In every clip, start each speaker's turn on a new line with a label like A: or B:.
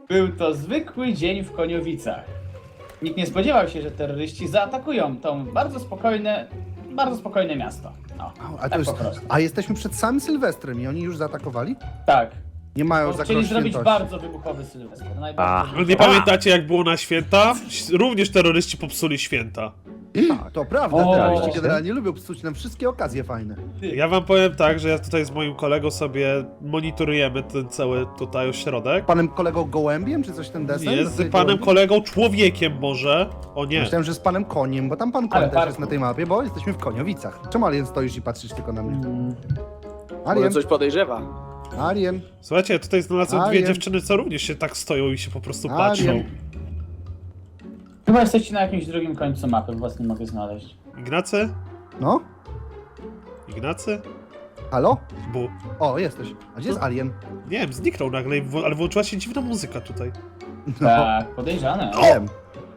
A: Był to zwykły dzień w Koniowicach. Nikt nie spodziewał się, że terroryści zaatakują to bardzo spokojne miasto. No,
B: A,
A: tak
B: to już,
A: po prostu.
B: a jesteśmy przed samym Sylwestrem i oni już zaatakowali?
A: Tak.
B: Nie mają
A: Bo
B: za
A: chcieli
B: grosz
A: zrobić
B: świętości.
A: bardzo wybuchowy Sylwester.
C: Nie pamiętacie jak było na święta? Również terroryści popsuli święta.
B: To prawda,
A: O.
B: terroryści generalnie lubią psuć nam wszystkie okazje fajne.
C: Ja wam powiem tak, że ja tutaj z moim kolegą sobie monitorujemy ten cały tutaj ośrodek.
B: Panem kolegą Gołębiem, czy coś ten desen?
C: Jest z panem kolegą człowiekiem może. O nie.
B: Myślałem, że z panem Koniem, bo tam pan
A: Ale
B: Koń też
A: parku.
B: jest na tej mapie, bo jesteśmy w Koniowicach. Czemu Alien stoisz i patrzysz tylko na mnie?
D: Może
B: Alien,
D: coś podejrzewa.
B: Alien,
C: Słuchajcie, ja tutaj znalazłem dwie
B: Alien.
C: dziewczyny, co również się tak stoją i się po prostu patrzą.
B: Alien.
A: Chyba jesteście na jakimś drugim końcu mapy, bo was nie mogę znaleźć.
C: Ignacy?
B: No?
C: Ignacy?
B: Halo?
C: Bu.
B: O, jesteś. A gdzie jest Alien?
C: Nie wiem, zniknął nagle, ale włączyła się dziwna muzyka tutaj.
A: Tak, podejrzane.
B: Wiem.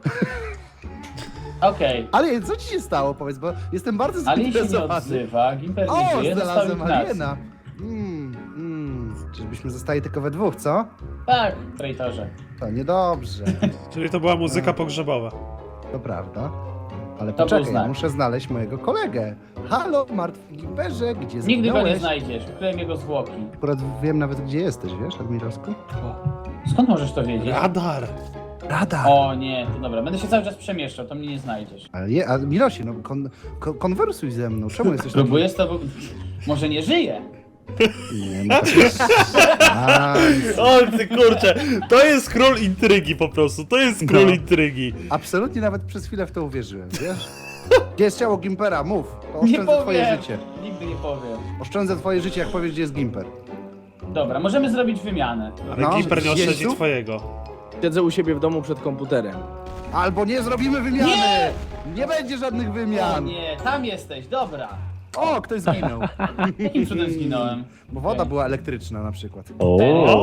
A: Okej.
B: Alien, co ci się stało, powiedz, bo jestem bardzo
A: Alien się nie
B: zainteresowany.
A: odzywa, Gimper nie
B: O,
A: żyje, został
B: znalazłem
A: Ignacy.
B: Aliena. Czyżbyśmy zostali tylko we dwóch, co?
A: Tak, traitorze.
B: To niedobrze.
C: Czyli to była muzyka pogrzebowa.
B: To prawda. Ale
A: To był
B: poczekaj,
A: znak.
B: muszę znaleźć mojego kolegę. Halo, martwy Gimperze, gdzie
A: Nigdy go nie
B: zginąłeś?
A: znajdziesz, ukryłem jego zwłoki.
B: Akurat wiem nawet, gdzie jesteś, wiesz, Admirowsku?
A: Skąd możesz to wiedzieć?
C: Radar!
B: Radar!
A: O nie, to dobra, będę się cały czas przemieszczał, to mnie nie znajdziesz.
B: Ale Admirosie, no konwersuj ze mną, czemu jesteś taki...
A: Próbuję z tobą... Może nie żyje?
B: Nie, no to...
C: O ty kurczę, to jest król intrygi po prostu, to jest król
B: No.
C: intrygi.
B: Absolutnie nawet przez chwilę w to uwierzyłem, wiesz? Gdzie jest ciało Gimpera? Mów, to
A: Nie
B: oszczędzę twoje
A: powiem!
B: życie.
A: Nigdy nie powiem.
B: Oszczędzę twoje życie, jak powiesz, gdzie jest Gimper.
A: Dobra, możemy zrobić wymianę.
C: Ale
B: No,
C: Gimper nie oszczędzi
B: Jezu?
C: twojego.
D: Siedzę u siebie w domu przed komputerem.
B: Albo nie zrobimy wymiany!
A: Nie!
B: Nie będzie żadnych
A: O
B: wymian!
A: nie, tam jesteś, dobra.
B: O, ktoś zginął.
A: Jakim cudem zginąłem?
B: Bo woda była elektryczna na przykład.
C: O!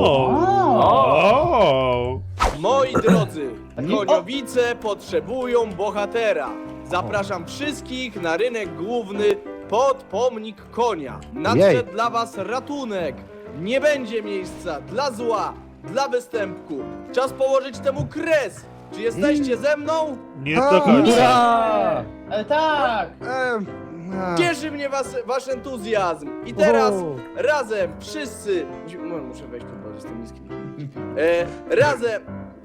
C: O!
D: Moi drodzy,
A: Nie-
D: Koniowice potrzebują bohatera. Zapraszam wszystkich na rynek główny pod pomnik konia. Nadszedł dla was ratunek. Nie będzie miejsca dla zła, dla występku. Czas położyć temu kres. Czy jesteście ze mną?
C: Nie do końca.
A: Ura! Ale tak!
D: Cieszy mnie wasz entuzjazm. I teraz razem wszyscy... Muszę wejść tu, bo jestem niski. Razem...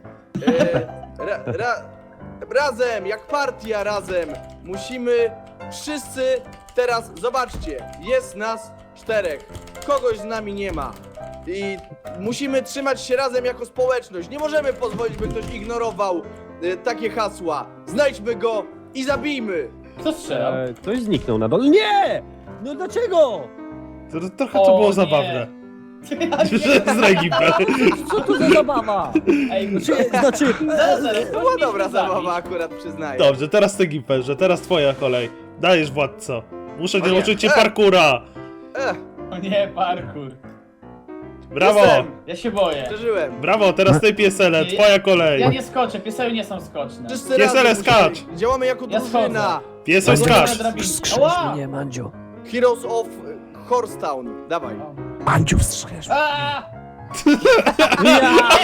D: razem, jak partia razem. Musimy wszyscy... Teraz zobaczcie, jest nas 4. Kogoś z nami nie ma. I musimy trzymać się razem jako społeczność. Nie możemy pozwolić, by ktoś ignorował takie hasła. Znajdźmy go i zabijmy.
A: Kto strzelał?
E: Ktoś zniknął na dole. Nie! No dlaczego?
C: Trochę to
A: O,
C: było
A: nie.
C: zabawne.
A: Ja
C: Że zdraj Gimper.
E: Co to za zabawa?
A: Ej,
E: Znaczy,
A: zaraz,
D: To była dobra zabawa akurat, przyznaję.
C: Dobrze, teraz ty Gimperze, teraz twoja kolej. Dajesz władco. Muszę
D: O nie.
C: nauczyć cię parkura.
A: O nie, parkour.
C: Brawo!
D: Jestem.
A: Ja się boję.
D: Przeżyłem.
C: Brawo, teraz ty piesele,
A: Nie,
C: twoja kolej.
A: Ja nie skoczę, pieseły nie są skoczne.
D: Wszyscy
C: Piesele,
D: razem
C: skacz.
D: musimy- Działamy jako
A: Ja
D: drużyna.
A: schodzę.
C: Piesoś
A: Ja
C: skacz.
A: na drabinie.
E: wskrzesz
A: Ała!
E: mnie, Mandziu.
D: Heroes of Horstown. Dawaj.
E: Mandziu, wstrzesz.
A: A!
E: Ja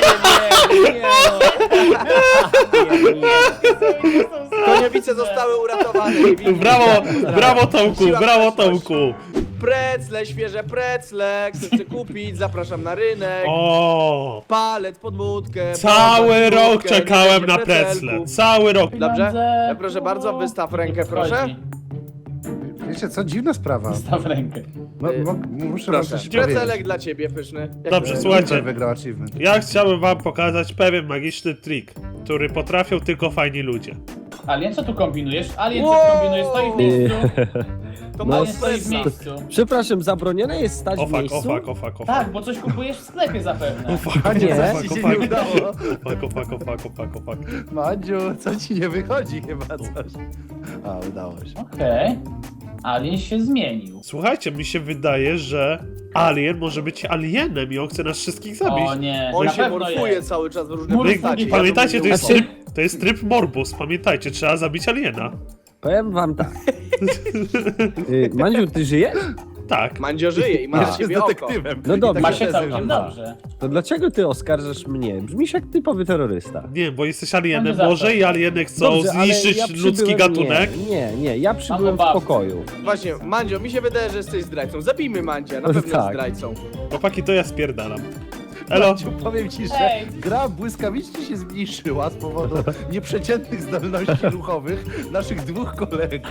D: Koniowice zostały uratowane.
C: Brawo, brawo Tomku, brawo Tomku.
D: Precle, świeże precle. Kto chce kupić? Zapraszam na rynek.
C: O,
D: Palec pod budkę.
C: cały
D: palec pod
C: rok
D: budkę,
C: czekałem
D: nie
C: na
D: będzie
C: precle.
D: precelków.
C: Cały rok.
D: Dobrze? Proszę bardzo, wystaw rękę, proszę.
B: Wiecie co, dziwna sprawa.
A: Staw rękę.
B: Muszę wam
D: Proszę.
B: coś powiedzieć.
D: Precelek dla ciebie, pyszny. Jak
C: Dobrze,
D: to-
C: słuchajcie.
B: Gimper wygrał achievement.
C: Ja chciałbym wam pokazać pewien magiczny trik, który potrafią tylko fajni ludzie.
A: Alien, co tu kombinujesz? Alien, co
D: Wow!
A: tu kombinujesz? Stoi w miejscu.
D: To
E: No,
A: Alien
D: masz
A: stoi w
D: stresa.
A: miejscu.
E: Przepraszam, zabronione jest stać
C: O
E: w
C: fuck,
E: miejscu?
C: o fuck, o fuck, o fuck.
A: Tak, bo coś kupujesz w sklepie zapewne.
C: O fuck, o
B: A nie,
C: fuck,
B: coś
C: o
B: ci się
C: fuck,
B: nie udało.
C: o fuck, o fuck, o fuck, o fuck, o fuck.
B: Madziu, co ci nie wychodzi chyba coś? A, udało się.
A: Okej. Alien się zmienił.
C: Słuchajcie, mi się wydaje, że Alien może być alienem i on chce nas wszystkich zabić.
A: O nie,
D: On
A: na
D: się
A: pewno
D: morfuje
A: jest.
D: cały czas w różne
A: Morfuje.
D: postacie.
C: Pamiętajcie, to jest
E: Znaczy-
C: tryb morbus, pamiętajcie, trzeba zabić aliena.
E: Powiem wam tak. Mandziu, ty żyjesz?
C: Tak.
D: Mandzio żyje i ma na
B: Jest
D: siebie oko.
B: detektywem.
E: No dobra.
B: I
A: Ma
B: takie
A: się
B: tezy
A: całkiem
B: używa.
A: dobrze.
E: To dlaczego ty oskarżasz mnie? Brzmisz jak typowy terrorysta.
C: Nie, bo jesteś alienem
A: Mamy
C: może
A: zawsze.
C: i alieny chcą
E: Dobrze, ale
C: zniszczyć
E: ja
C: ludzki
E: przybyłem-
C: gatunek.
E: Nie, ja przybyłem w
A: babce.
E: pokoju.
D: Właśnie, Mandzio, mi się wydaje, że jesteś zdrajcą. Zabijmy Mandzia, na
E: No
D: pewno jest
E: tak.
D: zdrajcą.
C: Chłopaki, to ja spierdalam. Elo.
B: Maciu, powiem ci, że
A: Ej.
B: gra błyskawicznie się zmniejszyła z powodu nieprzeciętnych zdolności ruchowych naszych dwóch kolegów.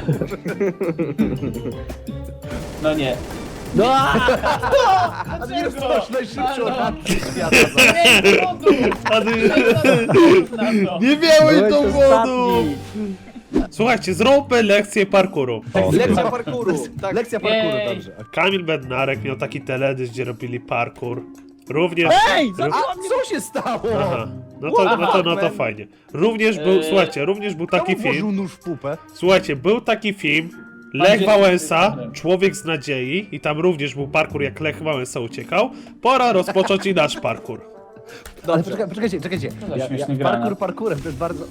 A: No nie.
E: No
B: Admiros to
A: Dlaczego?
B: nasz najszybszy
A: Halo?
B: oradcy świata.
A: Nie, wodu!
C: Nie miałem
E: byłeś
C: to
E: ostatni.
C: wodu! Słuchajcie, zróbmy lekcję parkouru.
D: Lekcja parkouru. Tak.
B: Lekcja parkouru,
A: Jej.
B: dobrze.
C: Kamil Bednarek miał taki teledysk, gdzie robili parkour. Również...
E: Ej,
C: ró-
B: A co się stało?
C: Aha, no to fajnie. Również był, słuchajcie, również był taki
B: Kto włożył
C: film.
B: nóż w pupę?
C: Słuchajcie, był taki film. Lech
A: Gdzie-
C: Wałęsa, Człowiek z nadziei i tam również był parkour, jak Lech Wałęsa uciekał. Pora rozpocząć i nasz parkour.
B: Ale
D: Dobrze.
B: czekajcie.
A: za śmieszny granat?
B: Parkour parkourem, to jest bardzo...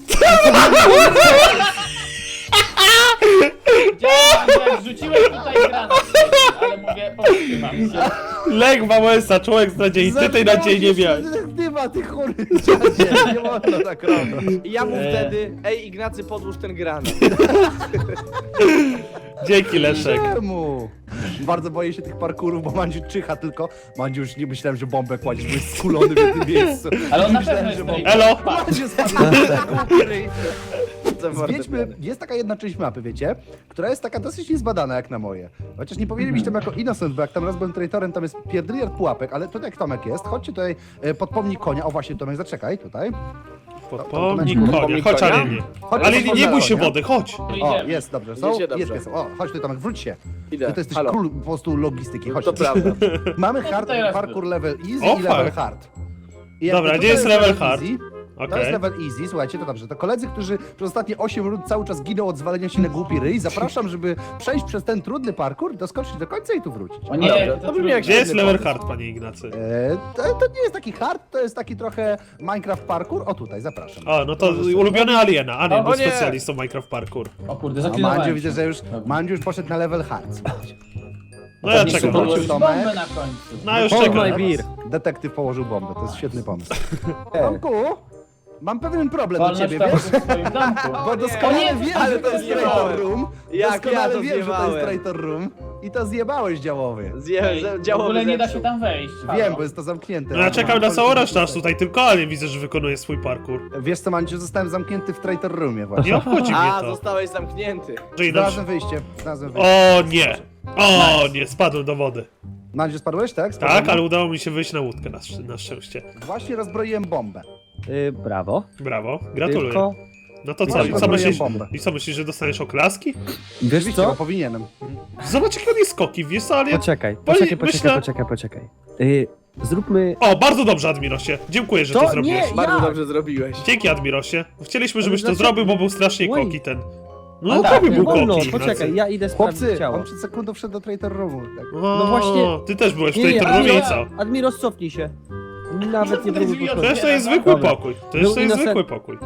A: Widziałem, jak rzuciłeś tutaj granat, ale mówię, powstrzymam się.
C: Lech Wałęsa, Człowiek z nadziei, ty tej nadziei nie miałeś.
B: Detektywa, ty chory dziadzie, nie wolno tak robić.
D: I ja mu wtedy, ej Ignacy, podłóż ten granat.
C: Dzięki, Leszek.
B: Czemu? Bardzo boję się tych parkurów, bo Mandziu czyha tylko. Mandziu, już nie myślałem, że bombę kładziesz, bo jest skulony w jednym miejscu.
A: Ale on na
B: Myślałem,
A: pewno
B: że
A: jest
B: bombę-
A: traitor.
C: Elo.
B: Mandziu spadł.
D: Zwiedźmy.
B: Zwiedźmy, jest taka jedna część mapy, wiecie, która jest taka dosyć niezbadana jak na moje. Chociaż nie powinien być tam jako innocent, bo jak tam raz byłem traitorem, tam jest pierdyliard pułapek, ale tutaj jak Tomek jest, chodźcie tutaj pod pomnik konia. O właśnie, Tomek, zaczekaj, tutaj.
C: Pomnik konia,
D: Pomnik
C: chodź
D: konia?
C: Alienie.
B: Chodź,
C: Alienie,
B: chodź,
C: nie
B: chodź,
C: bój się
B: konia.
C: wody, chodź.
B: O,
A: Idziemy.
B: jest, dobrze, są?
D: Idziecie dobrze.
B: Jest, o, chodź tu Tomek, wróć się.
D: Idę.
B: Ty to jesteś
D: Halo.
B: król po prostu logistyki, chodź.
D: To prawda.
B: Mamy
A: Ja
B: hard,
A: tutaj raz
B: parkour level easy
C: O,
B: i level
C: fuck.
B: hard. I
C: Dobra,
B: jakby
C: gdzie
B: tutaj
C: jest level hard?
B: easy, To jest
C: Okej.
B: level easy, słuchajcie, to dobrze. To koledzy, którzy przez ostatnie 8 rund cały czas giną od zwalenia się na głupi ryj, zapraszam, żeby przejść przez ten trudny parkour, doskoczyć do końca i tu wrócić.
A: O nie,
D: Dobra,
A: to
D: to bym
A: trudno.
D: jak
C: Gdzie jest
D: Świetny
C: level
D: pomysł.
C: hard, panie Ignacy?
B: To nie jest taki hard, to jest taki trochę Minecraft parkour. O tutaj, zapraszam.
C: O, no to ulubiony Aliena. Alien
A: O
C: był
D: nie.
C: specjalistą Minecraft parkour.
A: O kurde,
B: A
A: zaklinowałem
B: Mandziu
A: się.
B: widzę, że już, Mandziu już poszedł na level hard, słuchajcie.
C: No ja
A: Nie
C: czekam.
A: chcę podłożyć
B: Tomek.
A: bombę na końcu.
C: No już
E: Hold
C: czekam.
E: my beer.
B: Detektyw położył bombę, to jest świetny pomysł. Tomku, mam pewien problem do
A: Wolność
B: ciebie,
A: tam
B: wiesz?
A: w swoim domku.
B: Bo
A: O
B: doskonale
A: nie,
B: wiem,
D: ale
B: że
D: to
B: to jest
D: zjebałem.
B: traitor room.
D: Jak ja
B: Doskonale
D: to
B: wiem, że to jest
D: zjebałem.
B: traitor room. I to zjebałeś działowy.
A: W ogóle nie da się tam wejść.
B: Wiem,
A: Halo.
B: bo jest to zamknięte.
C: No ja czekam na całą resztę, aż tutaj tylko Alien widzę, że wykonuje swój parkour.
B: Wiesz co, Mandziu, zostałem zamknięty w traitor roomie właśnie.
C: Nie obchodzi mnie
D: A,
C: to.
D: zostałeś zamknięty.
C: Że inaczej...
B: Znalazłem wyjście, znalazłem wyjście.
C: O nie! O nie, spadłem do wody.
B: Mandziu, spadłeś, tak?
C: Tak,
B: Spadłem?
C: ale udało mi się wyjść na łódkę na szczęście.
B: Właśnie rozbroiłem bombę.
E: Brawo.
C: Brawo, gratuluję.
E: Tylko,
C: No to co,
B: Właśnie
C: i co
B: rozbroiłem
C: myślisz?
B: bombę.
C: I co myślisz, że dostaniesz oklaski?
E: wiesz
B: Oczywiście, bo
E: co?
B: powinienem.
C: Zobacz jakie on jest skoki, wiesz co, Alien?
E: Poczekaj,
C: myślę-
E: poczekaj. Zróbmy...
C: O, bardzo dobrze, Admirosie. Dziękuję, że to
E: To
C: zrobiłeś.
E: nie-
D: Bardzo
E: Jak?
D: dobrze zrobiłeś.
C: Dzięki, Admirosie. Chcieliśmy, żebyś to
E: dlaczego-
C: zrobił, bo był strasznie
E: Oj.
C: koki ten.
A: A
C: No,
A: tak,
C: tobie
A: nie
C: był
E: wolno,
C: koki.
E: poczekaj,
C: Ignacy.
E: ja idę sprawdzić
B: Chłopcy,
E: ciało.
B: on przed sekundą wszedł do traitor roomu. Tak.
C: O,
E: No właśnie-
C: Ty też byłeś w
E: Nie,
C: tej
E: nie,
C: turnomie i co?
E: Admiros, cofnij się. Nawet nie
A: To jest
E: próbuj
A: idiota.
C: Przecież to jest zwykły
E: Dobra.
C: pokój. To jest
E: Był
C: zwykły pokój.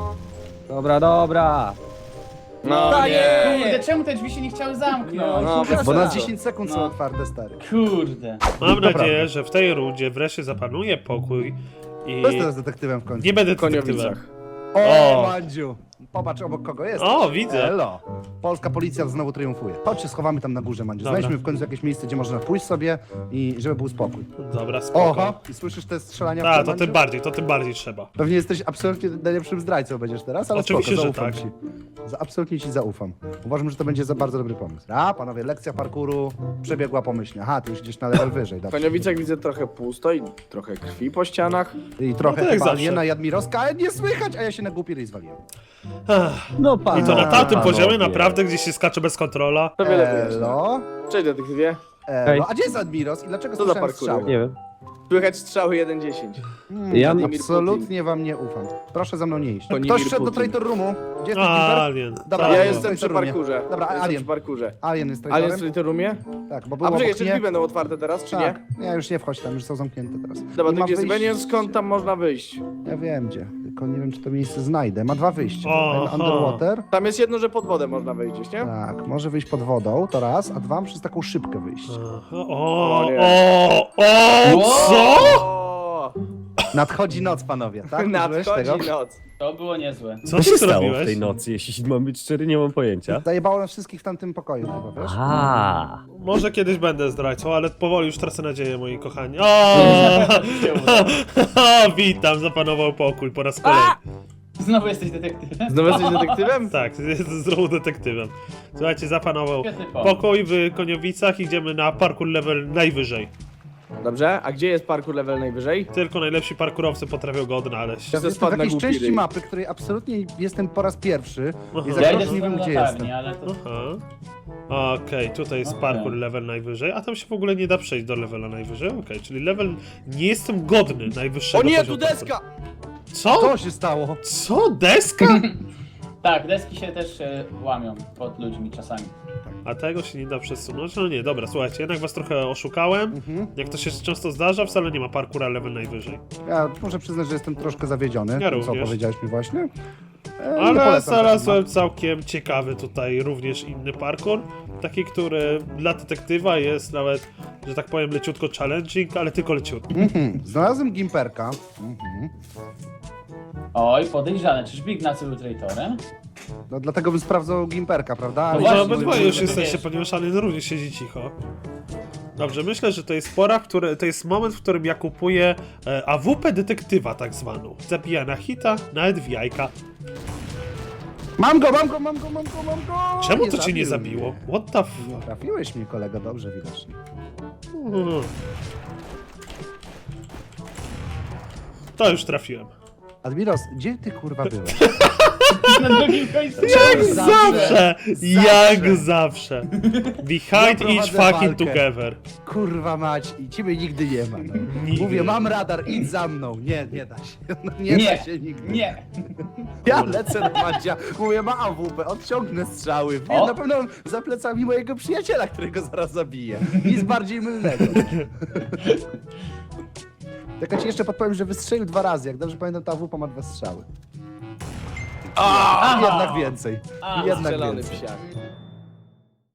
E: Dobra.
D: No
E: Daję!
A: Kurde, czemu te drzwi się nie chciały zamknąć?
D: No,
B: Bo na
E: Dobra.
B: 10 sekund są
A: No.
B: otwarte, stary.
A: Kurde.
C: Mam
B: Dobra.
C: nadzieję, że w tej rundzie wreszcie zapanuje pokój i
B: Kto jest teraz detektywem w końcu?
C: nie będę
D: W
C: detektywem.
D: Koniowicach.
B: O,
C: O.
B: Mandziu! Popatrz obok kogo jest.
C: O, widzę.
B: Elo. Polska policja znowu triumfuje. Chodźcie, schowamy tam na górze, Mandziu.
C: Dobra.
B: Znajdźmy w końcu jakieś miejsce, gdzie można pójść sobie i żeby był spokój.
C: Dobra, spoko.
B: Oho! I słyszysz te strzelania w
C: A,
B: tle,
C: to
B: Mandziu?
C: tym bardziej trzeba.
B: Pewnie jesteś absolutnie najlepszym zdrajcą będziesz teraz, ale
C: Oczywiście,
B: spoko,
C: że
B: zaufam
C: tak.
B: ci. Absolutnie ci zaufam. Uważam, że to będzie za bardzo dobry pomysł. A, panowie, lekcja parkouru przebiegła pomyślnie. Aha, ty już idziesz na level wyżej,
D: W
B: dobrze.
D: Koniowicach widzę trochę pusto i trochę krwi po ścianach.
B: I trochę
C: No to jak
B: chyba
C: zawsze.
B: Aliena Jadmirowska, ale nie słychać, a ja się na głupi ryj zwaliłem.
C: Ach,
E: No pan.
C: I to na tamtym
E: panowie.
C: poziomie naprawdę, gdzie się skacze bez kontrola.
D: To wiele wyjaśnia.
B: Elo?
D: Cześć detektywie.
B: Elo? A gdzie jest Admiros i dlaczego
D: Co za
B: słyszałem
D: parkour?
B: strzały?
E: Nie wiem.
D: Słychać strzały 1-10.
E: Ja
D: Władimir
B: Absolutnie wam nie ufam. Proszę za mną nie iść.
D: Władimir
B: Ktoś wszedł do
D: Putin.
B: Traitor Roomu. Gdzie jest ten Kimper?
C: Alien.
B: Dobra,
D: Ja
B: Alien
D: jestem
B: jest
D: przy
B: w Traitor Roomie.
D: parkurze.
B: Dobra,
D: Jestem
B: Alien.
D: przy parkurze.
B: Alien jest w
D: Alien
B: Traitorem?
D: w Traitor Roomie?
B: Tak, bo
D: A
B: było
D: poczekaj,
B: obok
D: jeszcze
B: mnie.
D: drzwi będą otwarte teraz, czy
B: Tak,
D: nie?
B: ja już nie wchodź tam, już są zamknięte teraz.
D: Dobra,
B: I
D: to
B: ma
D: gdzie jest?
B: wyjście-
D: Ja nie wiem skąd tam można wyjść.
B: Ja wiem gdzie, tylko nie wiem czy to miejsce znajdę. Ma 2 wyjścia.
C: Aha.
B: Underwater.
D: Tam jest jedno, że pod wodę można wyjść, gdzieś, nie?
B: Tak, może wyjść pod wodą, to raz, a dwa przez taką szybkę wyjść.
C: Aha,
D: O nie.
C: co?
D: O,
B: Nadchodzi noc, panowie, tak? Użyłeś
D: nadchodzi
B: tego?
D: noc.
A: To było niezłe.
C: Co
E: Co się
C: ty
E: stało
C: zrobiłeś?
E: w tej nocy? Jeśli mam być szczery, nie mam pojęcia.
B: Zajebało nas wszystkich w tamtym pokoju chyba, wiesz?
E: A,
C: Może kiedyś będę zdrajcą, ale powoli już tracę nadzieję, moi kochani. Witam, zapanował pokój po raz kolejny.
A: Znowu jesteś detektywem?
D: Znowu jesteś detektywem?
C: Tak, jestem znowu detektywem. Słuchajcie, zapanował
A: Świetny pomysł.
C: pokój w Koniowicach, idziemy na parkour level najwyżej.
D: Dobrze, a gdzie jest parkour level najwyżej?
C: Tylko najlepsi parkurowcy potrafią go odnaleźć.
D: Ja
B: Jestem w
D: spadł na
B: jakiejś
D: głupi
B: części
D: ryj.
B: mapy, której absolutnie jestem po raz pierwszy
C: Aha.
B: i
A: Ja
B: za
A: idę
B: nie
A: z
B: wiem gdzie
A: latarni,
B: jestem.
A: ale to...
C: Aha. Okej, tutaj jest
A: Okej.
C: parkour level najwyżej, a tam się w ogóle nie da przejść do levela najwyżej. Okej, czyli level nie jestem godny najwyższego
D: O nie,
C: poziomu
D: tu deska!
C: Co?
B: Co się stało?
C: Co? Deska?
A: Tak, deski się też łamią pod ludźmi czasami.
C: A tego się nie da przesunąć? No nie, dobra, słuchajcie, jednak was trochę oszukałem.
B: Mhm.
C: Jak to się często zdarza, wcale nie ma parkoura level najwyżej.
B: Ja muszę przyznać, że jestem troszkę zawiedziony,
C: Ja
B: tym, co
C: również.
B: powiedziałeś mi właśnie. Nie
C: Ale
B: polecam
C: znalazłem
B: takiej
C: całkiem ciekawy tutaj również inny parkour. Taki, który dla detektywa jest nawet, że tak powiem, leciutko challenging, ale tylko leciutko.
B: Znalazłem Gimperka. Mhm.
A: Oj, podejrzane, czyżby Ignacy był traitorem?
B: No dlatego bym sprawdzał Gimperka, prawda?
A: No
B: Ale
C: Może
A: właśnie,
C: obydwoje
A: żeby
C: już jesteście,
A: wiesz.
C: ponieważ Alien również siedzi cicho. Dobrze, myślę, że to jest pora, to jest moment, w którym ja kupuję AWP detektywa tak zwaną. Zabija na hita, nawet w jajka.
B: Mam go!
C: Czemu to cię nie
B: zabił
C: zabiło?
B: mnie.
C: What the
B: Nie
C: fuck?
B: trafiłeś mnie, kolego, dobrze widocznie.
C: To już trafiłem.
B: Admiros, gdzie ty kurwa byłeś?
A: Na drugim końcu.
C: Jak
B: Zawsze.
C: Jak zawsze! Behind
B: Ja
C: each
B: prowadzę
C: fucking
B: walkę.
C: together.
B: Kurwa mać, i ciebie nigdy nie ma. No.
C: Nigdy.
B: Mówię, mam radar, idź za mną. Nie da się. No, nie
A: Nie,
B: da się nigdy.
A: nie.
B: Ja lecę na Madzia, mówię, ma AWP, odciągnę strzały. Wiem,
A: O.
B: na pewno za plecami mojego przyjaciela, którego zaraz zabiję. Nic bardziej mylnego. Tylko ci jeszcze podpowiem, że wystrzelił 2 razy. Jak dobrze pamiętam, ta AWP ma 2 strzały.
A: Aha.
B: Jednak więcej.
A: A,
B: Jednak
D: Strzelony
B: więcej.
D: psiak.